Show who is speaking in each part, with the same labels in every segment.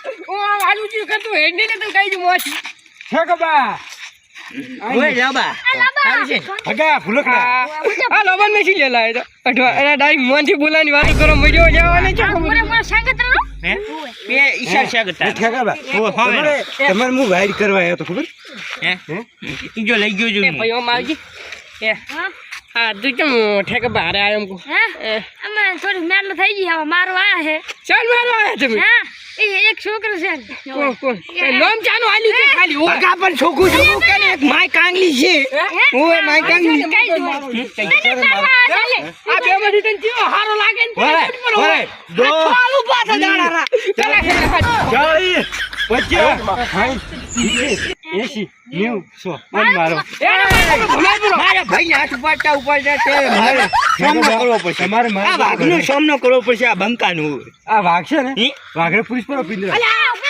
Speaker 1: ઓ આલુ જી કરતું હેડી ને તો કઈ જ મોછી
Speaker 2: છે કબા
Speaker 3: ઓય લાબા સારું છે
Speaker 2: ભગા ફુલકડા
Speaker 1: આ લોબન મેસી લેલા એ તો અઠવા એના ડાઈ મોનથી બોલાની વાત કરો મજો જવાને છે
Speaker 4: મોરે સંગત રો
Speaker 3: હે બે ઈશાર શાગતા
Speaker 2: છે કબા તમારે હું વાઈડ કરવા આવ્યો તો ખબર
Speaker 3: હે ઈ જો લઈ ગયો જો
Speaker 1: એ ભઈઓ માવજી એ હા તું કેમ ઠેકે બહાર આયો એમ કો
Speaker 4: હે અમે થોડી મેલ થઈ ગઈ હવે મારો આયા હે
Speaker 1: ચાલ મારો આયા તમે
Speaker 4: હા એ એક છોકરો છે
Speaker 1: કોણ કોણ એ લોમ ચાનો આલી કે ખાલી ઓ
Speaker 3: ભગા પણ છોકું છોકું કે એક માય કાંગલી છે ઓય માય કાંગલી
Speaker 1: આ બે માંથી તને જીવો હારો લાગે ને
Speaker 2: ઓય દો
Speaker 1: ચાલુ પાછા દાડા ચાલે
Speaker 2: ચાલી 50 80 90 મારો
Speaker 3: મારા ભાઈ હાથ ઉપાડતા ઉપાડતા તે મારે સામનો કરવો પડશે
Speaker 2: તમારે
Speaker 3: આ વાઘનો સામનો કરવો પડશે આ બંકાનું
Speaker 2: આ વાઘ છે ને વાઘરે પુલિસ પર પિંજરા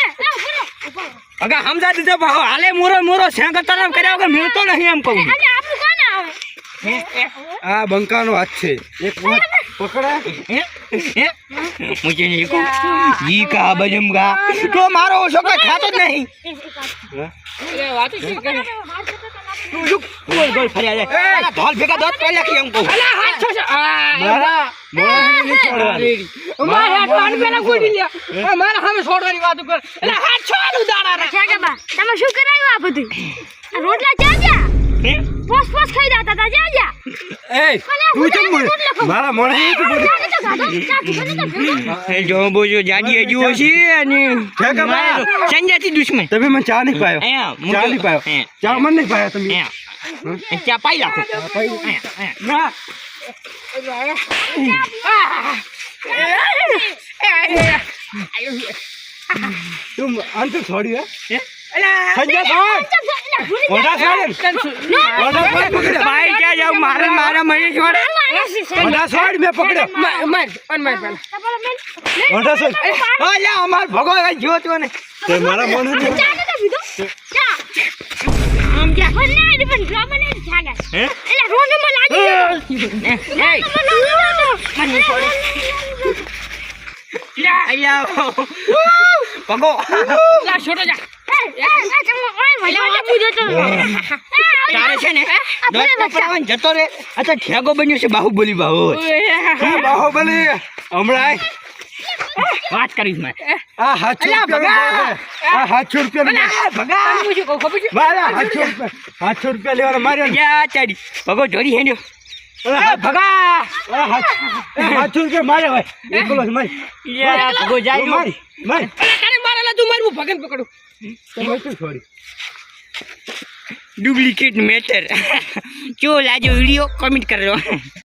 Speaker 3: ભગા સમજા દીધો ભાવ હાલે મોરો મોરો સેંગર તરફ કર્યા વગર મિલતો નહીં એમ કહું
Speaker 4: આપણું કોણ આવે
Speaker 2: આ બંકાનો હાથ છે એક વાત પકડા
Speaker 3: મુજે નહીં કહું ઈ કા બજમગા તો મારો છોકરો ખાતો જ નહીં
Speaker 1: એ વાત શું કરે
Speaker 3: તું લુક ગોલ ગોલ ફર્યા જાય ઢોલ ભેગા દોત પહેલા કે એમ કહું
Speaker 1: અલા હાથ છો
Speaker 2: મારા નહીં છોડવાની
Speaker 1: મારા હાથ પેલા ગોડી લ્યા મારા સામે છોડવાની વાત કર એટલે હાથ છોડું દાડા રે
Speaker 4: છે કે બા તમે શું કરાયું આ બધું આ રોટલા જા પોસ પોસ ખાઈ જાતા તા જા
Speaker 2: એ તું કેમ મારા મોણે તો
Speaker 3: એ જો બોજો જાડી હજુ છે અને સંજાતી દુશ્મન
Speaker 2: તમે મને ચા નહીં પાયો
Speaker 3: અહીંયા
Speaker 2: ચા નહીં પાયો ચા મને નહીં પાયો તમે
Speaker 3: અહીંયા ચા પાઈ રાખો
Speaker 2: ના તું અંત છોડી હે સંજય છોડ ઓડા છોડ ઓડા છોડ પકડ્યો
Speaker 3: ભાઈ ક્યાં જાવ મારે મારા મને છોડે
Speaker 2: ઓડા છોડ મેં પકડ્યો
Speaker 1: માર પેલા
Speaker 2: ઓડા છોડ
Speaker 3: ઓલે અમાર ભગો જોતો ને
Speaker 2: તે મારા મોને
Speaker 4: આમ જા મને પણ ડ્રામા ને જાગા
Speaker 3: હે
Speaker 4: એટલે રોને માં લાગી
Speaker 3: મને છોડે આયા ભગો
Speaker 1: લા છોડો જા
Speaker 3: તારે છે ને દોત પકડવાનું જતો રે આ તો ઠેગો બન્યો છે બાહુબલી બાહુ
Speaker 2: બાહુબલી હમણાં
Speaker 3: વાત કરીશ મેં
Speaker 2: આ 700 રૂપિયા આ 700 રૂપિયા
Speaker 3: ભગા
Speaker 1: પૂછું કહું ખબર છે
Speaker 2: મારા 700 રૂપિયા લેવાના માર્યા
Speaker 3: જા ચાડી ભગો જોડી હેડ્યો ભગા
Speaker 2: 700 રૂપિયા મારે ભાઈ એકલો જ મારી
Speaker 3: ભગો જાય
Speaker 2: મારી મારી
Speaker 1: તારે મારેલા તું મારું ભગન પકડું
Speaker 2: તમે શું છોડી
Speaker 3: ડુપ્લિકેટ મેટર જો લાજો વિડીયો કમેન્ટ કરજો